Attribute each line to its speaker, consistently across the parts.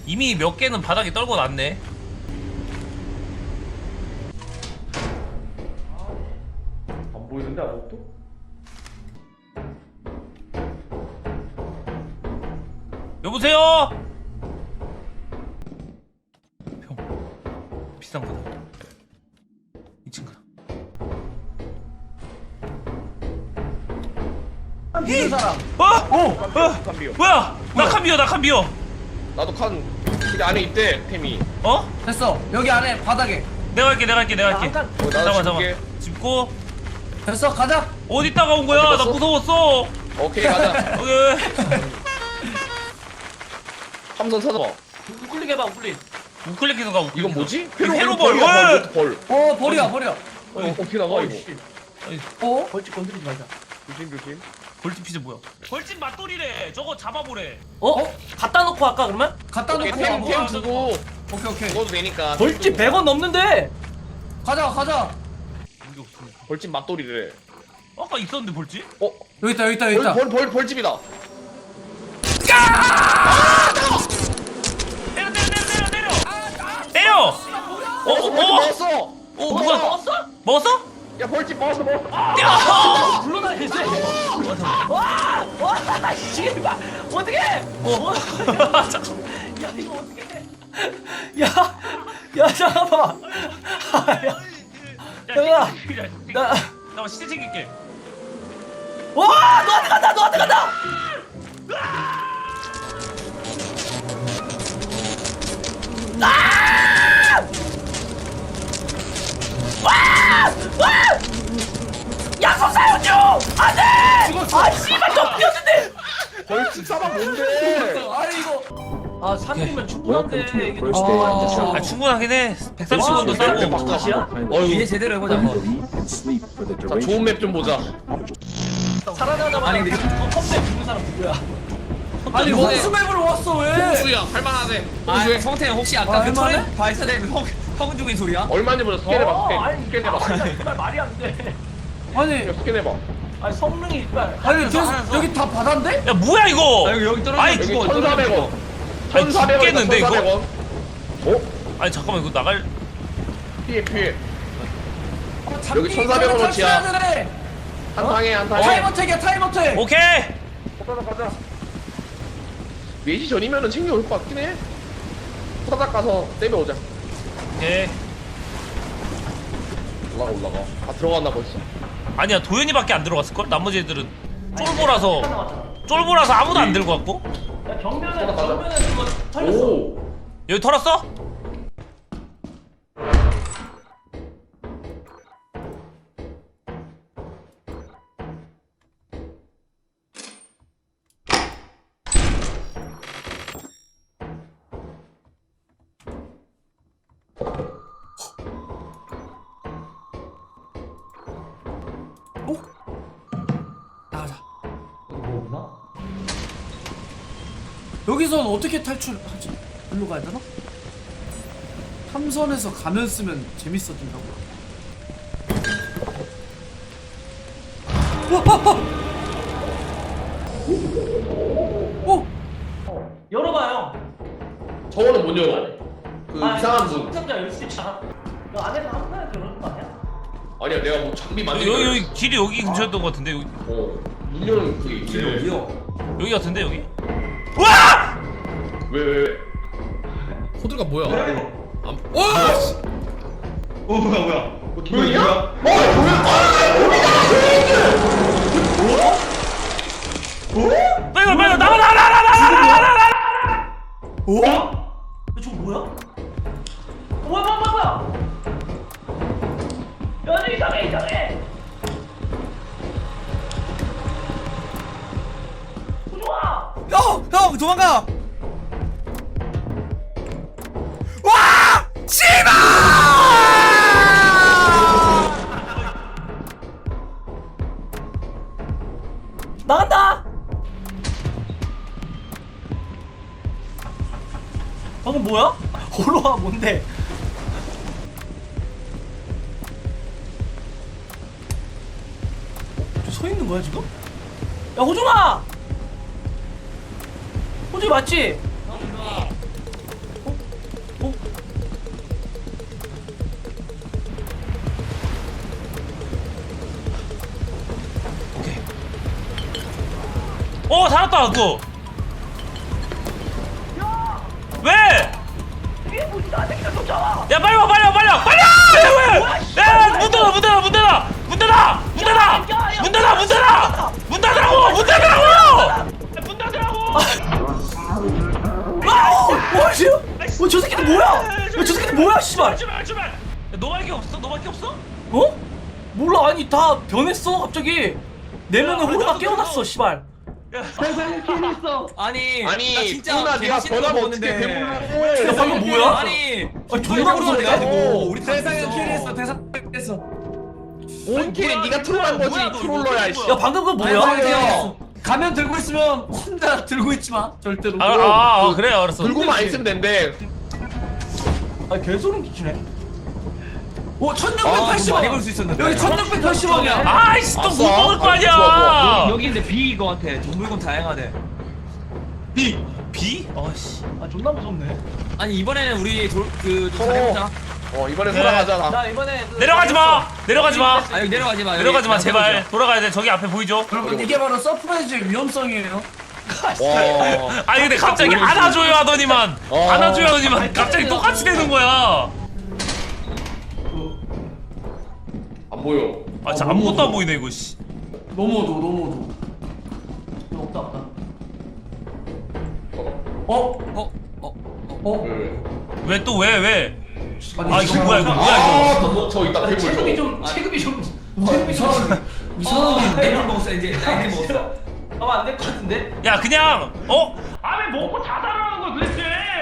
Speaker 1: 이미 몇 개는 바닥에 떨고 놨네.
Speaker 2: 안 보이는데 아무것도?
Speaker 1: 여보세요? 병 비싼 거다. 이 친구다.
Speaker 3: 있는 사람.
Speaker 2: 칸비어.
Speaker 1: 뭐야? 나 칸비어, 나 칸비어.
Speaker 2: 나도 칸 여기 안에 있대 템이.
Speaker 1: 어?
Speaker 3: 됐어. 여기 안에 바닥에.
Speaker 1: 내가 할게, 내가 할게, 내가 할게.
Speaker 3: 잠깐.
Speaker 2: 나도
Speaker 1: 잠깐만,
Speaker 2: 줄게.
Speaker 1: 잠깐만. 짚고.
Speaker 3: 됐어. 가자.
Speaker 1: 어디 있다가 온 거야?
Speaker 2: 어디
Speaker 1: 나
Speaker 2: 갔어?
Speaker 1: 무서웠어.
Speaker 2: 오케이 가자.
Speaker 1: 오케이.
Speaker 2: 함선 찾아봐.
Speaker 3: 우클릭 해봐. 우클릭.
Speaker 1: 우클릭해서 가. 우클릭.
Speaker 2: 이건 뭐지?
Speaker 1: 회로벌.
Speaker 2: 벌이야,
Speaker 1: 왜?
Speaker 2: 벌.
Speaker 3: 버려. 버려.
Speaker 2: 어떻게 나가 이거?
Speaker 3: 벌집 건드리지 말자.
Speaker 2: 조심 조심.
Speaker 1: 벌집 피자 뭐야? 벌집 맛돌이래. 저거 잡아보래.
Speaker 4: 갖다 놓고 할까 그러면?
Speaker 3: 갖다
Speaker 2: 오케이
Speaker 3: 놓고
Speaker 2: 템
Speaker 3: 가고.
Speaker 2: 두고
Speaker 3: 오케이.
Speaker 2: 먹어도 되니까.
Speaker 4: 벌집 100원 넘는데.
Speaker 3: 가자.
Speaker 1: 이게 없으니까.
Speaker 2: 벌집 맛돌이래.
Speaker 1: 아까 있었는데 벌집?
Speaker 2: 어?
Speaker 3: 여기 있다.
Speaker 2: 벌집이다.
Speaker 1: 때려!
Speaker 2: 벌집 먹었어.
Speaker 1: 누가 먹었어? 먹었어?
Speaker 2: 야 벌집 먹었어.
Speaker 4: 불러놔야지. 와, 씨발. 어떻게?
Speaker 1: 잠깐.
Speaker 4: 야, 이거 어떻게? 야, 잠깐만. 야, 나,
Speaker 1: 나 시체 챙길게.
Speaker 4: 와, 너한테 간다. 약속 사용 중! 안 돼! 아, 씨발, 좀 뛰었는데!
Speaker 2: 벌집 사방 뭔데?
Speaker 3: 아니 이거.
Speaker 4: 아, 300면 충분한데. 이게
Speaker 1: 아 충분하긴 해. 130원도 싸고.
Speaker 4: 바깥이야?
Speaker 3: 이제 제대로 해보자.
Speaker 2: 자 좋은 맵 좀 보자.
Speaker 4: 살아나자마자
Speaker 3: 아니, 근데-
Speaker 4: 컴백 죽는 사람 누구야?
Speaker 3: 아니 홍수맵으로 왔어 왜?
Speaker 2: 홍수야 할만하네. 홍수야.
Speaker 3: 성태형 혹시 아까 그 터렛 발사된 형 죽인 소리야?
Speaker 2: 얼마인지 보자. 스캔 해봐.
Speaker 4: 아니,
Speaker 2: 스캔 해봐.
Speaker 4: 정말 말이 안 돼.
Speaker 3: 아니
Speaker 2: 스캔 해봐.
Speaker 4: 아니, 성능이 일단.
Speaker 3: 계속 여기 다 바다인데?
Speaker 1: 야 뭐야 이거?
Speaker 3: 여기 떨어져.
Speaker 1: 아니,
Speaker 2: 여기
Speaker 1: 죽어,
Speaker 2: 1,400원.
Speaker 1: 아니,
Speaker 2: 1,400원.
Speaker 1: 죽겠는데, 이거?
Speaker 2: 1,400원. 어?
Speaker 1: 아니 잠깐만 이거 나갈.
Speaker 2: 피해. 여기 1,400원 어치야. 한 방에 한 방에.
Speaker 3: 타임어택이야 타임어택.
Speaker 1: 오케이.
Speaker 2: 가자. 4시 전이면은 챙겨올 것 같긴 해. 후다닥 가서 떼면 오자.
Speaker 1: 오케이.
Speaker 2: 올라가. 다 들어갔나 벌써?
Speaker 1: 아니야 도현이밖에 안 들어갔을 걸. 나머지 애들은 쫄보라서 아무도 안 들고 왔고.
Speaker 4: 야, 정면에
Speaker 2: 가자.
Speaker 4: 그거 털렸어.
Speaker 2: 오.
Speaker 1: 여기 털었어?
Speaker 3: 나가자. 여기선 어떻게 탈출하지? 일로 가야 되나? 탐선에서 가면 쓰면 재밌어진다고.
Speaker 4: 열어봐요.
Speaker 2: 저거는 못 열어. 그 이상한 분.
Speaker 4: 상자 열 수 있잖아. 너 안에서 한 번에 들어오는 거 아니야?
Speaker 2: 아니야 내가 뭐 장비 만들고.
Speaker 1: 여기 길이 여기 근처였던 것 같은데 여기
Speaker 2: 문 여는 그게 있지.
Speaker 1: 여기 같은데 여기? 와!
Speaker 2: 왜?
Speaker 5: 코드가 뭐야?
Speaker 2: 뭐야? 도현이야?
Speaker 1: 빨리 나가!
Speaker 4: 저거 뭐야? 뭐야? 야, 저 이상해. 좋아.
Speaker 3: 형 도망가. 와! 씨발!
Speaker 4: 나간다. 방금 뭐야? 올라와 뭔데? 서 있는 거야 지금? 야 호중아! 호중이 맞지?
Speaker 1: 살았다 그거. 왜? 야 빨리 와 빨리 와 빨리 와 빨리 와! 왜? 야문 닫아 문 닫아 문 닫아 문 닫아 문 닫아 문 닫아 문 닫아 문 닫으라고 문 닫으라고 문 닫으라고.
Speaker 4: 와 씨. 저 새끼들 뭐야? 저 새끼들 뭐야 씨발.
Speaker 1: 출발 출발. 너밖에 없어 너밖에 없어?
Speaker 4: 어? 몰라 아니 다 변했어 갑자기. 네 명의
Speaker 1: 야,
Speaker 4: 호루가
Speaker 1: 나도
Speaker 4: 깨어났어 씨발.
Speaker 3: 아니 나
Speaker 2: 아니
Speaker 3: 진짜
Speaker 2: 누나 네가
Speaker 3: 재밌는 거
Speaker 2: 전화면 어떻게
Speaker 3: 보는데.
Speaker 2: 배불러?
Speaker 4: 야, 방금 뭐야?
Speaker 3: 아니
Speaker 4: 존나 무서운데?
Speaker 3: 가지고 우리
Speaker 2: 세상에
Speaker 3: 세상에
Speaker 2: 킬했어,
Speaker 3: 대상 킬했어.
Speaker 2: 온 킬이 네가 트롤한 거지
Speaker 1: 뭐야, 너
Speaker 2: 트롤러야
Speaker 1: 이거
Speaker 2: 씨.
Speaker 4: 야 방금 그거
Speaker 3: 아니,
Speaker 4: 뭐야?
Speaker 3: 아니, 가면 들고 있으면 혼자 들고 있지 마 절대로.
Speaker 1: 그래 알았어.
Speaker 2: 들고만 안 있으면 된대.
Speaker 4: 아 개소름 끼치네.
Speaker 3: 오 1680원 많이 벌 수 있었는데 여기 1680원이야.
Speaker 1: 아이씨 또 못
Speaker 2: 아싸.
Speaker 1: 먹을 거
Speaker 2: 아,
Speaker 1: 아니야.
Speaker 2: 좋아, 좋아.
Speaker 3: 여기 근데 B 이거 같아. 물건 다양하대.
Speaker 1: 비? 비? 어씨.
Speaker 4: 아 존나 무섭네.
Speaker 3: 아니 이번에는 우리 그
Speaker 2: 서로.
Speaker 3: 잘해보자.
Speaker 2: 이번에
Speaker 1: 그래.
Speaker 2: 살아가잖아.
Speaker 4: 나 이번에
Speaker 1: 내려가지 마. 내려가지 마.
Speaker 3: 아 여기 내려가지 마.
Speaker 1: 내려가지 마 제발. 돌아가야 돼. 저기 앞에 보이죠?
Speaker 3: 여러분 이게 바로 서프라이즈의 위험성이에요.
Speaker 2: 와.
Speaker 1: 아니 근데 갑자기 안아줘요 하더니만 안아줘요 하더니만 갑자기 똑같이 되는 거야.
Speaker 2: 안 보여.
Speaker 1: 아 진짜 아무것도 안 보이네 이거 씨.
Speaker 4: 너무 어두워. 없다 없다.
Speaker 1: 왜 또 왜 왜? 아 이거
Speaker 2: 아,
Speaker 1: 뭐야 이거 뭐야 이거?
Speaker 2: 저 이따 괴물
Speaker 4: 체급이
Speaker 2: 저거.
Speaker 4: 좀 체급이 좀
Speaker 3: 이상한 내물 먹었어 이제 나이트 먹었어.
Speaker 4: 하면 안 될 것 같은데?
Speaker 1: 야 그냥 아왜 먹고 자살하는 거야 도대체?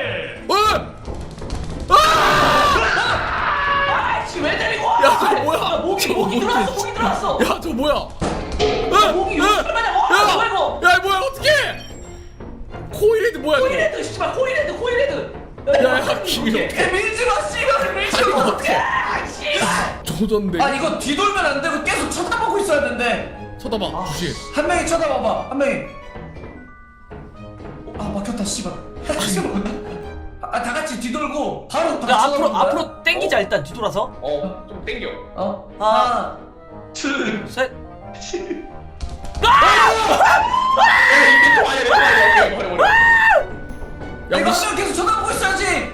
Speaker 4: 아씨 왜 데리고 와?
Speaker 5: 야, 저거 뭐야?
Speaker 4: 야, 목이 들어왔어 목이 들어왔어.
Speaker 5: 야, 저 뭐야?
Speaker 4: 목이 얼마냐? 뭐야 이거?
Speaker 5: 야, 뭐야? 어떻게? 코일헤드 뭐야? 저거?
Speaker 4: 코일헤드 씨발 코일헤드.
Speaker 5: 야, 김이 어떻게?
Speaker 3: 밀지 마 씨발 밀지
Speaker 5: 아니,
Speaker 3: 마.
Speaker 5: 어떻게?
Speaker 4: 씨발.
Speaker 5: 조졌네.
Speaker 3: 아 이거 뒤돌면 안 되고 계속 쳐다보고 있어야 된대.
Speaker 5: 쳐다봐, 주시.
Speaker 3: 한 명이 쳐다봐봐 한 명이. 아 막혔다 씨발. 다 같이 뒤돌고 바로 다
Speaker 4: 야
Speaker 3: 쳐다보는 거야?
Speaker 4: 앞으로 땡기자 일단 뒤돌아서.
Speaker 2: 좀 땡겨.
Speaker 4: 하나 셋.
Speaker 2: 이게 또 아니야, 버려.
Speaker 5: 야,
Speaker 3: 이거
Speaker 5: 우리
Speaker 3: 한 명 계속 쳐다보고 있어야지.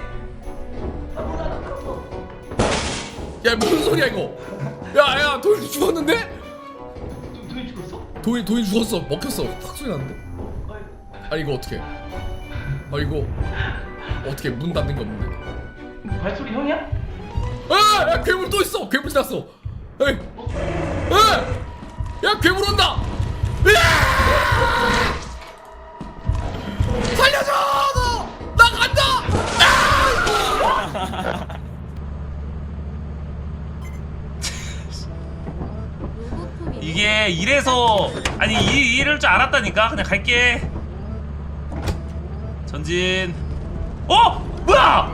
Speaker 5: 야, 무슨 소리야 이거? 야, 도인 죽었는데?
Speaker 4: 도인 죽었어?
Speaker 5: 도인 죽었어. 먹혔어. 팍 소리 났는데? 아니 이거 어떻게? 아 이거 어떻게 문 닫는 게 없는데?
Speaker 4: 발소리 형이야?
Speaker 5: 야, 괴물 또 있어. 괴물 지났어. 에이, 야, 괴물 온다. 으아! 살려줘! 나 간다!
Speaker 1: 이게 이래서 아니 이럴 줄 알았다니까. 그냥 갈게. 전진. 뭐야?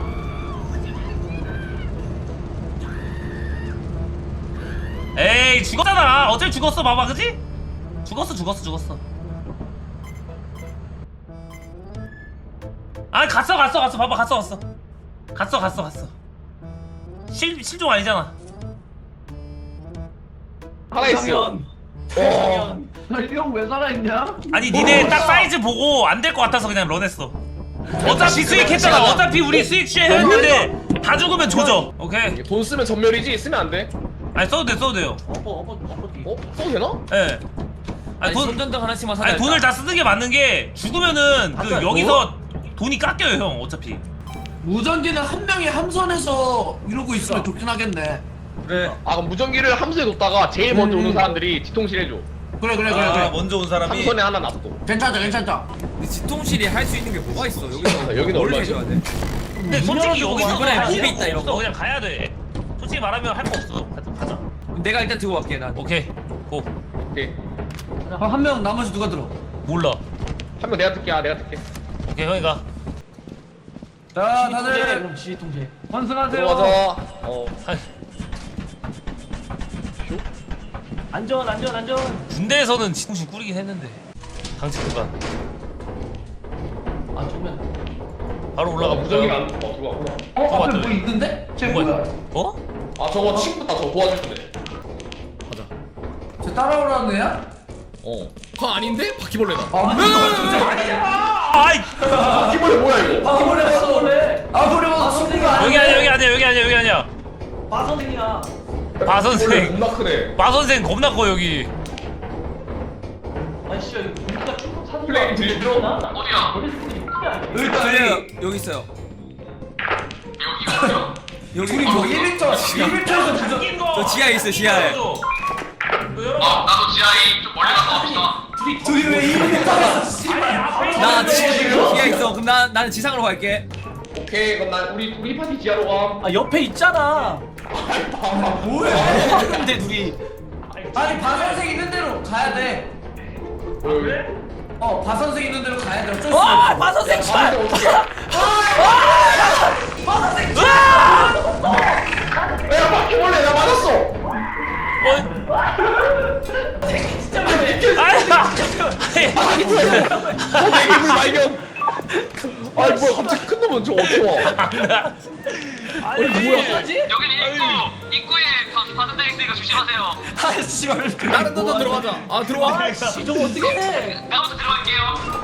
Speaker 1: 에이 죽었잖아. 어차피 죽었어. 봐봐 그지? 죽었어. 아니 갔어. 봐봐 갔어. 실종 아니잖아.
Speaker 2: 살아있어.
Speaker 4: 이형 왜 살아있냐?
Speaker 1: 아니 니네 딱 사이즈 보고 안 될 것 같아서 그냥 런했어. 어차피 수익했잖아. 어차피 우리 수익 취해 했는데 다 죽으면 조져. 오케이.
Speaker 2: 돈 쓰면 전멸이지 쓰면 안 돼.
Speaker 1: 아니 써도 돼요.
Speaker 2: 써도 되나?
Speaker 1: 예.
Speaker 3: 아니 손전등 하나씩만 사자.
Speaker 1: 아니 돈을 다 쓰는 게 맞는 게 죽으면은 그
Speaker 4: 아까
Speaker 1: 여기서 돈이 깎여요 형 어차피.
Speaker 3: 무전기는 한 명이 함선에서 이러고 있으면 좋긴 하겠네.
Speaker 1: 그래.
Speaker 2: 그럼 무전기를 함수에 뒀다가 제일 먼저 오는 사람들이 뒤통실 해줘.
Speaker 3: 그래
Speaker 1: 먼저 온 사람이.
Speaker 2: 함선에 하나 놔둬.
Speaker 3: 괜찮다. 근데 지통실이 할 수 있는 게 뭐가 있어? 여기서
Speaker 2: 여기는
Speaker 3: 뭘
Speaker 2: 얼마지?
Speaker 3: 해줘야 돼?
Speaker 1: 근데 솔직히 여기
Speaker 3: 이번에
Speaker 1: 가야
Speaker 3: 몹이
Speaker 1: 돼.
Speaker 3: 있다, 이런 거.
Speaker 1: 그냥 가야 돼. 솔직히 말하면 할 거 없어. 가자.
Speaker 3: 내가 일단 들고 갈게 난.
Speaker 1: 오케이. 고.
Speaker 2: 오케이.
Speaker 3: 한 명 나머지 누가 들어?
Speaker 1: 몰라.
Speaker 2: 한 명 내가 뜰게. 내가 뜰게.
Speaker 1: 오케이 형이 가.
Speaker 3: 자
Speaker 4: 그럼 지휘 통제.
Speaker 3: 환승하세요.
Speaker 2: 들어가자.
Speaker 1: 아이,
Speaker 4: 안전.
Speaker 1: 군대에서는 지통신 꾸리긴 했는데. 당직 구간.
Speaker 4: 아 정면.
Speaker 1: 바로 올라가
Speaker 2: 무전기가
Speaker 1: 볼까요?
Speaker 2: 안 들어와.
Speaker 1: 앞에 뭐
Speaker 3: 있는데?
Speaker 1: 뭐야?
Speaker 2: 저거 친구다. 저 도와줄 건데.
Speaker 5: 가자.
Speaker 3: 저 따라오라는 애야?
Speaker 5: 그거 아닌데? 바퀴벌레다.
Speaker 1: 아이
Speaker 2: 바퀴벌레 뭐야 이거?
Speaker 3: 아무래 봐도 승리가
Speaker 1: 여기 아니야 여기 아니야 여기 아니야 여기 아니야.
Speaker 4: 마 선생이야.
Speaker 1: 마 선생.
Speaker 2: 겁나 크네.
Speaker 1: 마 선생 겁나 커 여기.
Speaker 4: 아이씨 이거 우리가 충분 사는
Speaker 2: 플레이 들리죠?
Speaker 4: 어디야?
Speaker 3: 여기
Speaker 6: 있어요.
Speaker 3: 둘이 뭐 1m에서 부정
Speaker 6: 저 지하에 있어요, 지하에.
Speaker 3: 둘이 왜 1m에서 씨발
Speaker 6: 나 지하에 있어. 그럼 나는 지상으로 갈게.
Speaker 2: 오케이 그럼 난 우리 파티 지하로 가.
Speaker 4: 아 옆에 있잖아.
Speaker 3: 뭐야
Speaker 6: 근데 둘이
Speaker 3: 아니 바선생 있는 대로 가야 돼 바선생 있는 대로 가야 돼 어쩔 수 없어
Speaker 4: 마 선생 씨발.
Speaker 2: 야 바퀴벌레 나 맞았어. 대기물 발견. 아니 뭐야 갑자기 큰 놈은 저 어떻게 와?
Speaker 1: 아니 뭐야?
Speaker 7: 여기는 입구에 바선생 있으니까 조심하세요.
Speaker 3: 아 씨발
Speaker 5: 다른 데도 들어가자. 아 들어와.
Speaker 4: 저거 어떻게 해?
Speaker 7: 나부터 들어갈게요.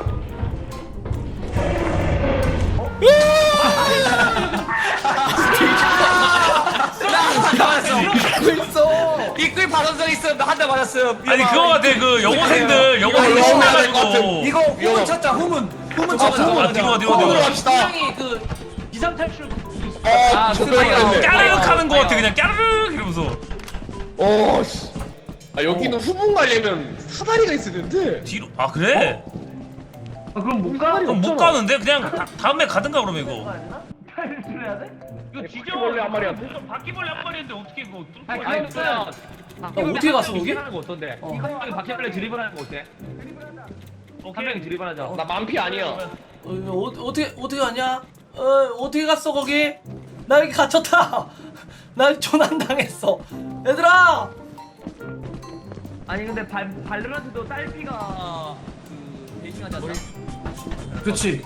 Speaker 6: 입구에 바선성 있어. 나 한 대 맞았어요.
Speaker 1: 아니 그거 같아 그 여고생들 여고
Speaker 2: 이거
Speaker 1: 신나가지고.
Speaker 3: 이거 후문 찾자 후문 찾자
Speaker 1: 아 뒤로
Speaker 2: 뒤로
Speaker 1: 뒤로.
Speaker 2: 갑시다.
Speaker 4: 분명히 그 비상 탈출.
Speaker 2: 조병이었네.
Speaker 1: 까르륵 하는 거 같아 그냥 까르륵 이러면서.
Speaker 2: 씨. 아 여기는 후문 가려면 사다리가 있어야 되는데.
Speaker 1: 뒤로 아 그래?
Speaker 4: 그럼 못 가?
Speaker 1: 그럼 못 가는데 그냥 다음에 가든가 그러면 이거.
Speaker 4: 탈출해야 돼?
Speaker 1: 이거
Speaker 2: 바퀴벌레 한 마리야.
Speaker 1: 바퀴벌레 한 마리인데 어떻게 이거
Speaker 6: 아니 그냥
Speaker 4: 어떻게 갔어 거기?
Speaker 6: 하는 거 어떤데? 한 명이 바퀴벌레 드리블 하는 거 어때? 한 명이 드리블 하자.
Speaker 2: 나 만피 아니야.
Speaker 4: 어떻게 하냐? 어떻게 갔어 거기? 나 여기 갇혔다. 나 조난 당했어. 얘들아.
Speaker 6: 아니 근데 발르란트도 딸비가 그 베이징하지 않나?
Speaker 3: 그렇지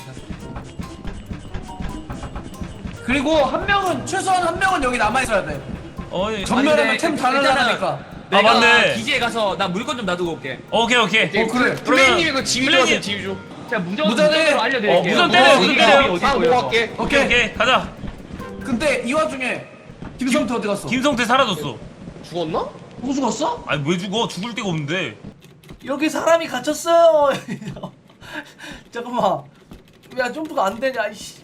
Speaker 3: 그리고 한 명은 최소한 한 명은 여기 남아있어야 돼
Speaker 1: 어이.
Speaker 3: 전멸하면 템 다 날라가니까
Speaker 1: 아,
Speaker 6: 내가
Speaker 1: 맞네.
Speaker 6: 기지에 가서 나 물건 좀 놔두고 올게.
Speaker 1: 오케이.
Speaker 3: 그래
Speaker 2: 플레이님이 그 지휘
Speaker 1: 플레이님.
Speaker 2: 좋아서 지휘 줘.
Speaker 6: 제가
Speaker 3: 무전에-
Speaker 6: 무전으로 알려드릴게요.
Speaker 1: 무전 때려, 무전 때려.
Speaker 2: 아 모아갈게.
Speaker 1: 오케이 가자.
Speaker 3: 근데 이 와중에 김성태 어디 갔어?
Speaker 1: 김성태 사라졌어.
Speaker 2: 죽었나?
Speaker 3: 누구 죽었어?
Speaker 1: 아니 왜 죽어? 죽을 데가 없는데.
Speaker 4: 여기 사람이 갇혔어요. 잠깐만. 야 점프가 안 되냐? 이씨.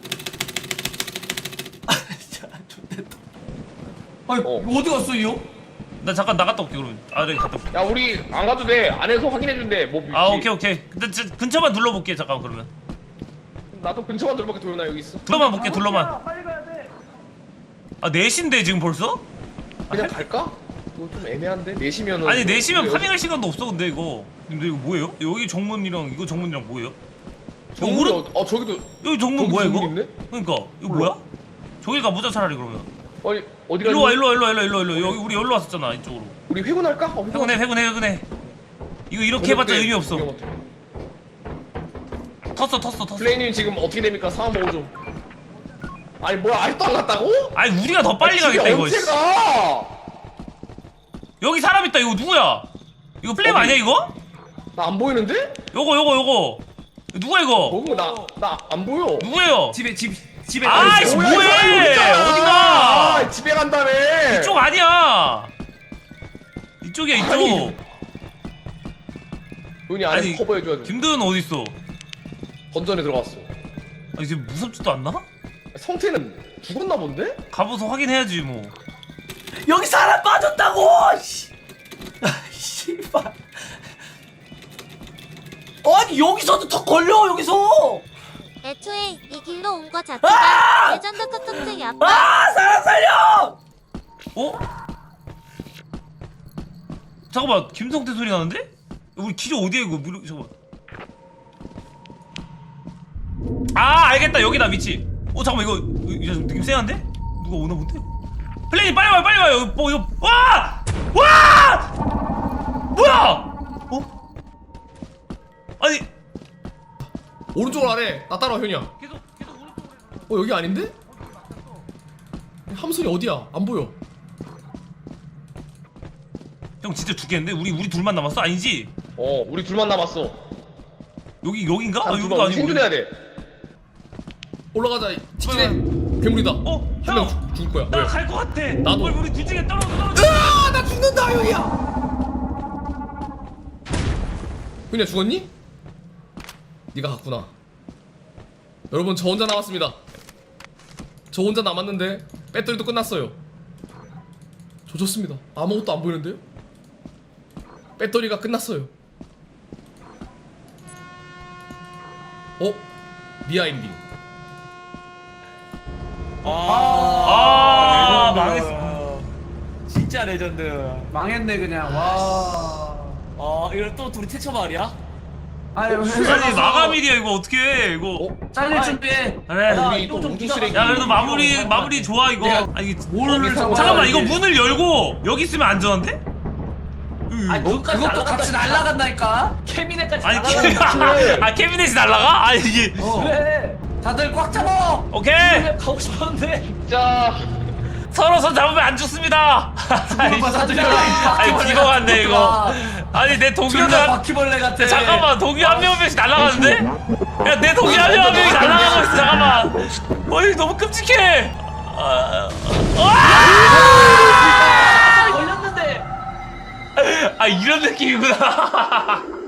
Speaker 4: 진짜 좋겠다.
Speaker 3: 아니 어디 갔어 이 형?
Speaker 1: 나 잠깐 나갔다 올게 그러면. 아 네 갔다 올게.
Speaker 2: 야 우리 안 가도 돼. 안에서 확인해 준대. 뭐
Speaker 1: 아
Speaker 2: 위치.
Speaker 1: 오케이. 근데 근처만 둘러볼게 잠깐 그러면.
Speaker 2: 나도 근처만 들어볼게. 도현아 여기 있어.
Speaker 1: 둘러만 볼게 둘러만.
Speaker 4: 빨리 가야 돼.
Speaker 1: 아 4시인데 지금 벌써?
Speaker 2: 그냥 갈까? 이거 좀 애매한데. 4시면은.
Speaker 1: 아니 4시면 파밍할 시간도 없어 근데 이거. 근데 이거 뭐예요? 여기 정문이랑 이거 정문이랑 뭐예요?
Speaker 2: 정문이 저기도.
Speaker 1: 여기 정문
Speaker 2: 저기
Speaker 1: 뭐야
Speaker 2: 정문
Speaker 1: 이거?
Speaker 2: 있네?
Speaker 1: 그러니까 이거 뭐야? 저기 가보자 차라리 그러면.
Speaker 2: 아니 어디가?
Speaker 1: 일로 와 여기 우리 여기로 왔었잖아 이쪽으로.
Speaker 2: 우리 회군할까?
Speaker 1: 회군해. 이거 이렇게 해봤자 의미 없어.
Speaker 2: 위험 없어.
Speaker 1: 텄어.
Speaker 2: 플레이님 지금 어떻게 됩니까? 상황 보고 좀. 아니 뭐야 아직도 안 갔다고?
Speaker 1: 아니 우리가 더 빨리 가겠다 이거.
Speaker 2: 언제 가?
Speaker 1: 여기 사람 있다 이거 누구야? 이거 플레임
Speaker 2: 어디?
Speaker 1: 아니야 이거?
Speaker 2: 나 안 보이는데?
Speaker 1: 요거 누가 이거?
Speaker 2: 보고 나 안 보여.
Speaker 1: 누구예요?
Speaker 6: 집에
Speaker 1: 아이씨
Speaker 2: 뭐야,
Speaker 1: 뭐해?
Speaker 2: 이거
Speaker 1: 어디가?
Speaker 2: 아, 집에 간다며.
Speaker 1: 이쪽 아니야. 이쪽이야 이쪽.
Speaker 2: 아니, 눈이 안에서
Speaker 1: 아니,
Speaker 2: 커버해줘야 돼.
Speaker 1: 김도현 어디 있어?
Speaker 2: 건전에 들어갔어.
Speaker 1: 아니 지금 무섭지도 않나?
Speaker 2: 성태는 죽었나 본데?
Speaker 1: 가봐서 확인해야지 뭐.
Speaker 4: 여기 사람 빠졌다고. 씨. 씨발. 아니 여기서도 더 걸려 여기서.
Speaker 8: 애초에 이 길로 온 거 자체가 레전드 컨텐츠야.
Speaker 4: 사람 살려.
Speaker 1: 어? 잠깐만 김성태 소리 나는데? 우리 기저 어디야 이거? 잠깐만. 아 알겠다 여기다 위치. 잠깐만 이거 좀 느낌 쎄한데? 누가 오나 본데? 플레이 빨리 와요 뭐 이거 와! 뭐야? 아니
Speaker 5: 오른쪽으로 하래. 나 따라와 현이야.
Speaker 1: 계속 오른쪽으로.
Speaker 5: 여기 아닌데? 함선이 어디야? 안 보여.
Speaker 1: 형 진짜 죽겠는데? 우리 둘만 남았어? 아니지?
Speaker 2: 우리 둘만 남았어.
Speaker 1: 여긴가? 아,
Speaker 2: 한
Speaker 1: 여기도
Speaker 2: 둘만
Speaker 1: 아니고.
Speaker 2: 생존해야 돼.
Speaker 5: 올라가자. 직진해. 괴물이다. 한 명
Speaker 1: 형!
Speaker 5: 죽을 거야.
Speaker 1: 나
Speaker 5: 왜?
Speaker 1: 갈 것 같아.
Speaker 5: 나도.
Speaker 1: 우리 둘 중에 떨어져.
Speaker 5: 으아! 나 죽는다, 여기야. 그냥 죽었니? 네가 갔구나. 여러분, 저 혼자 남았습니다. 저 혼자 남았는데 배터리도 끝났어요. 조졌습니다. 아무것도 안 보이는데요? 배터리가 끝났어요. 미아인딩.
Speaker 1: 망했어.
Speaker 4: 진짜 레전드.
Speaker 3: 망했네 그냥. 와.
Speaker 4: 이걸 또 둘이 태쳐 말이야?
Speaker 3: 아유
Speaker 1: 아니 마감일이야 이거 어떻게 해 이거.
Speaker 3: 잘릴 준비해.
Speaker 1: 그래.
Speaker 2: 우리 또 우주 쓰레기.
Speaker 1: 야 그래도 마무리 좋아 이거. 아니 이게
Speaker 3: 뭘
Speaker 1: 잠깐만 이거 문을 열고 여기 있으면 안전한데?
Speaker 4: 아니 그것까지
Speaker 3: 그것도 같이 날아간다니까.
Speaker 4: 캐비넷까지
Speaker 1: 아니
Speaker 4: 날아가는
Speaker 1: 캐비넷이 날라가? 아니 이게
Speaker 4: 그래.
Speaker 3: 다들 꽉 잡아.
Speaker 1: 오케이
Speaker 4: 가고 싶었는데.
Speaker 2: 자,
Speaker 1: 서로 손 잡으면 안 죽습니다. 아니 기도 같네 이거. 아니 내
Speaker 3: 존나
Speaker 1: 동료들
Speaker 3: 바퀴벌레 같아.
Speaker 1: 잠깐만 동료 한 명씩 날아가는데? 야 내 동료 한 명이 날아가고 있어 잠깐만. 어이 너무 끔찍해.
Speaker 4: 걸렸는데.
Speaker 1: 아 이런 느낌이구나.